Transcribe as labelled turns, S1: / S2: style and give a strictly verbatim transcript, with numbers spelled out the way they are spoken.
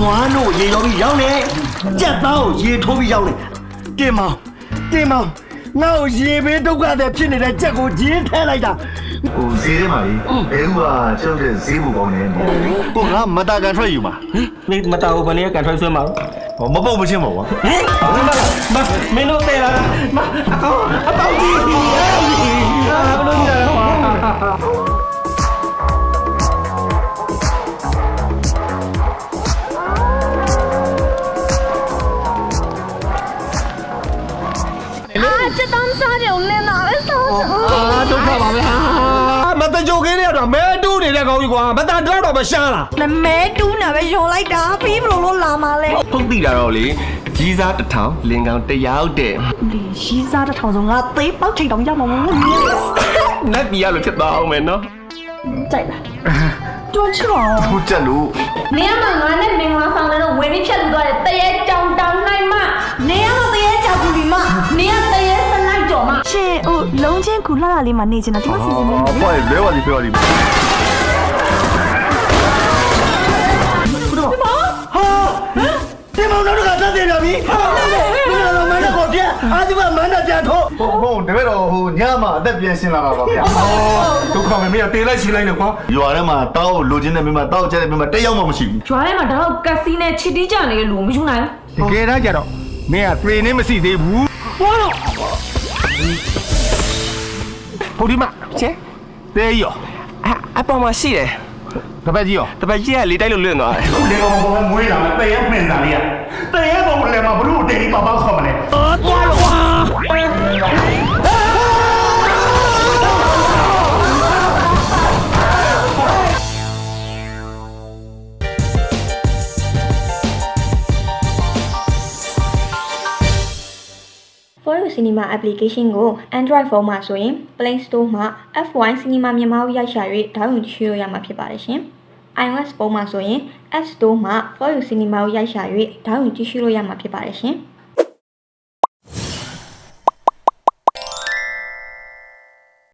S1: နွားတို့ရေရောပြီးရောက်နေကြက်သားကိုရေထိုးပြီးရောက်နေတင်မောင်တင်မောင်ငါ့ကိုရေဘေးဒုက္ခတွေဖြစ်နေတဲ့ကြက်ကိုဂျင်းထဲလိုက်တာ
S2: ဟိုဈေးထဲမှာလေဘဲဥကကျောက်တဲ့ဈေးဘူကောင်းနေတယ်ကိုငါမတာကန်ထွက်ယူမှာ
S1: မင်းမတော်ဘူးဘယ်နည်းကန်ထွက်ဆွဲမှာ
S2: ဟောမပုတ်မချင်းပါကွာ
S1: ဟင်မမင်းတို့တဲ့လားမအကောင်အပေါင်းကြီးဟာဘယ်လိုလဲဟာ
S3: 这当啥就来哪来啥？
S1: အာဒုက္ခပါပဲဟာမတကြိုကင်းရတော့မဲတူးနေတဲ့ကောင်ကြီးကွာမတန်တော့တော့မရှားလား
S3: 那没တူးနာပဲယုံလိုက်တာဖေးဘလို့လို့လာမလဲ
S4: ဖုတ်တိတာတော့လေကြီးစားတစ်ထောင်လင်ကောင်တစ်ယောက်တဲ့
S3: ဒီရှိစားတဲ့ထောင်ဆုံးငါသေးပေါက်ထိတ်တောင်ရမှာမဟုတ်ဘူး
S4: နတ်ပြည်ရလို့ဖြစ်သွားအောင်မယ်နော်
S3: ကြိုက်လားတွန်းချော
S2: ဟိုတက်လို့
S5: နေရမှာငါနဲ့မင်္ဂလာဆောင်တဲ့တော့ဝင်ပြီးဖြတ်လူသွားတယ်တရေကြောင်တောင်နိုင်မ
S3: နေရမသေးကြောက်ဘူးဒီမ
S5: နေရတရေစလိုက်ကြော်မ
S3: ရှင်ဟိုလုံးချင်းကူလှလာလေးမှာနေချင်တာဒီမှာစီစဉ်နေတယ်
S2: အဖွားလဲပါလိပြောပါလိ
S1: ဟာတင်မောင်တို့ကတက်တယ်ဗျာပြီဟာမင်းတို့မန္တကိုပြအာဒီကမန္တပြထိုး
S2: ဟိုဟိုတပည့်တော်ဟိုညမှာအသက်ပြန်ရှင်းလာပါပါဗျာ
S1: ဒုက္ခပဲမင်းကတေးလိုက်ရှင်းလိုက်နဲ့ကွာ
S2: ရွာထဲမှာတောက်လိုချင်တဲ့မိမတောက်ကျတဲ့မိမတက်ရောက်မှမရှိဘူး
S5: ကျွားထဲမှာတော့ကက်စီနဲ့ချစ်တီးကြနေတဲ့လူမယူနိုင်
S1: တကယ်တမ်းကျတော့မင်းကပြေနေမရှိသေးဘူးဟောတော့ဟိုဒီမှာချဲတေးရော
S4: အအပေါ်မှာရှိတယ်
S1: တပတ်ကြီးရော
S4: တပတ်ကြီးကလေးတိုက်လို့လွင့်သွားတယ်
S2: လေကောင်ကောင်မွေးလာမယ်တည့်ရဲမှင်စားလေးရတည့်ရဲကောင်လည်းမဘလို့တိတ်ပါပါခေါ်မလဲ
S1: အော်သွားလို့ကွာ
S6: For You Cinema application ကို Android phone မှာဆိုရင် Play Store မှာ F one Cinema မြန်မာကိုရိုက်ရှာ၍ဒေါင်းလုဒ်ကြည့်လို့ရမှာဖြစ်ပါတယ်ရှင်။ iOS ဖုန်းမှာဆိုရင် App Store မှာ For You Cinema ကိုရိုက်ရှာ၍ဒေါင်းလုဒ်ကြည့်ရှုလို့ရမှာဖြစ်ပါတယ်ရှင်။